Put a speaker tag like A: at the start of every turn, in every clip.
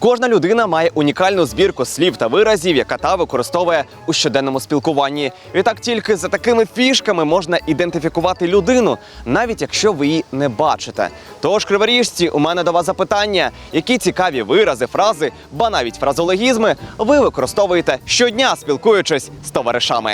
A: Кожна людина має унікальну збірку слів та виразів, яка та використовує у щоденному спілкуванні. Відтак тільки за такими фішками можна ідентифікувати людину, навіть якщо ви її не бачите. Тож, криворіжці, у мене до вас запитання. Які цікаві вирази, фрази, ба навіть фразологізми ви використовуєте щодня, спілкуючись з товаришами?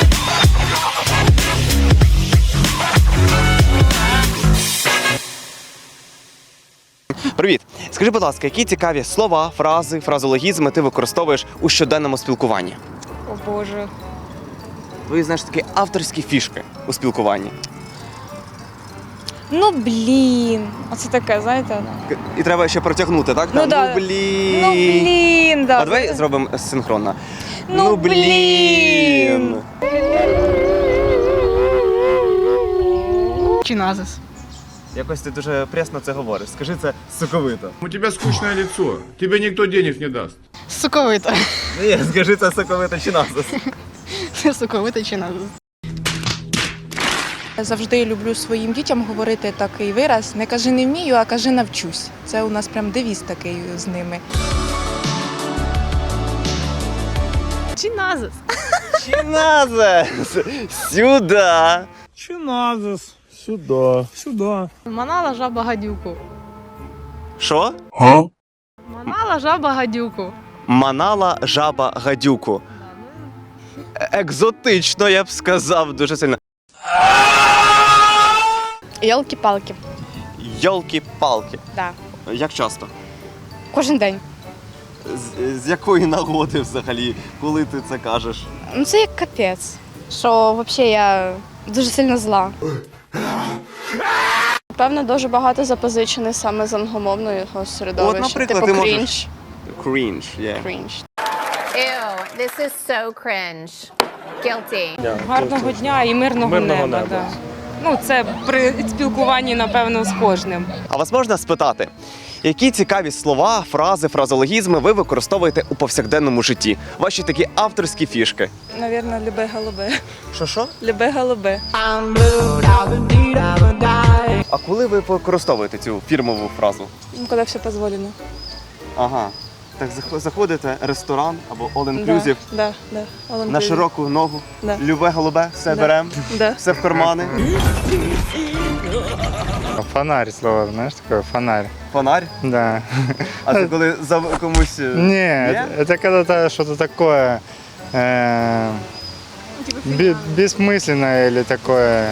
A: Привіт! Скажи, будь ласка, які цікаві слова, фрази, фразологізми ти використовуєш у щоденному спілкуванні?
B: О Боже.
A: Ви знаєш такі авторські фішки у спілкуванні.
B: Ну блін. Оце таке, знаєте?
A: І треба ще протягнути, так?
B: Ну, да.
A: Ну блін.
B: Ну блін, да.
A: А давай зробимо синхронно.
B: Ну, блін.
C: Чи назис?
A: Якось ти дуже пресно це говориш. Скажи це соковито.
D: У тебя скучное лицо. Тебе никто денег не даст.
C: Соковито.
A: Ні, скажи це соковито чи назис.
C: Соковито чи назис?
E: Завжди люблю своїм дітям говорити такий вираз: не кажи не вмію, а кажи навчусь. Це у нас прям девіз такий з ними.
C: Чи назис?
A: Чи назис? Сюда.
F: Чи назис? Сюда. Сюда.
C: Манала жаба гадюку.
A: Що?
C: Манала жаба гадюку.
A: Манала жаба гадюку. Екзотично, я б сказав, дуже сильно.
G: Йолки-палки.
A: Йолки-палки.
G: Да.
A: Як часто?
G: Кожен день.
A: З якої нагоди взагалі, коли ти це кажеш?
G: Ну це як капець. Що взагалі я дуже сильно зла. Певно, дуже багато запозичене саме з англомовного середовища.
A: От, наприклад,
G: типу
A: ти можеш-
G: крінж.
A: Крінж, yeah.
G: Крінж.
H: Ew, this is so cringe. Guilty.
B: Гарного дня і мирного неба. Да. Ну, це при спілкуванні, напевно, з кожним.
A: А вас можна спитати, які цікаві слова, фрази, фразологізми ви використовуєте у повсякденному житті? Ваші такі авторські фішки.
E: Навірно, любе-голубе.
A: Що?
E: Любе-голубе.
A: А коли ви використовуєте цю фірмову фразу?
E: Коли все дозволено.
A: Ага. Так заходите, ресторан або all-inclusive,
E: Да.
A: на широку ногу,
E: Да.
A: любе голубе, все
E: Да.
A: беремо,
E: Да.
A: все в кармани.
F: Фонарь слово, знаешь, такое фонарь.
A: Фонарь.
F: Да.
A: А це коли за комусь...
F: Нет, это когда-то что-то такое бессмысленное или такое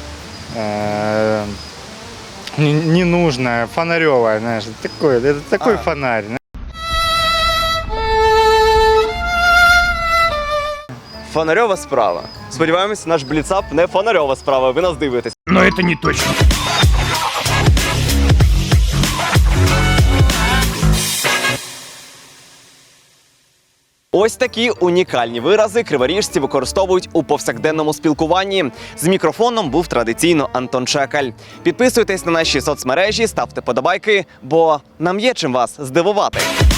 F: ненужное, фонаревое, знаешь, такое, это такой фонарь.
A: Фонарьова справа. Сподіваємось, наш бліцап не фонарьова справа, ви нас дивитесь.
D: Но это не точно.
A: Ось такі унікальні вирази криворіжці використовують у повсякденному спілкуванні. З мікрофоном був традиційно Антон Чекаль. Підписуйтесь на наші соцмережі, ставте подобайки, бо нам є чим вас здивувати.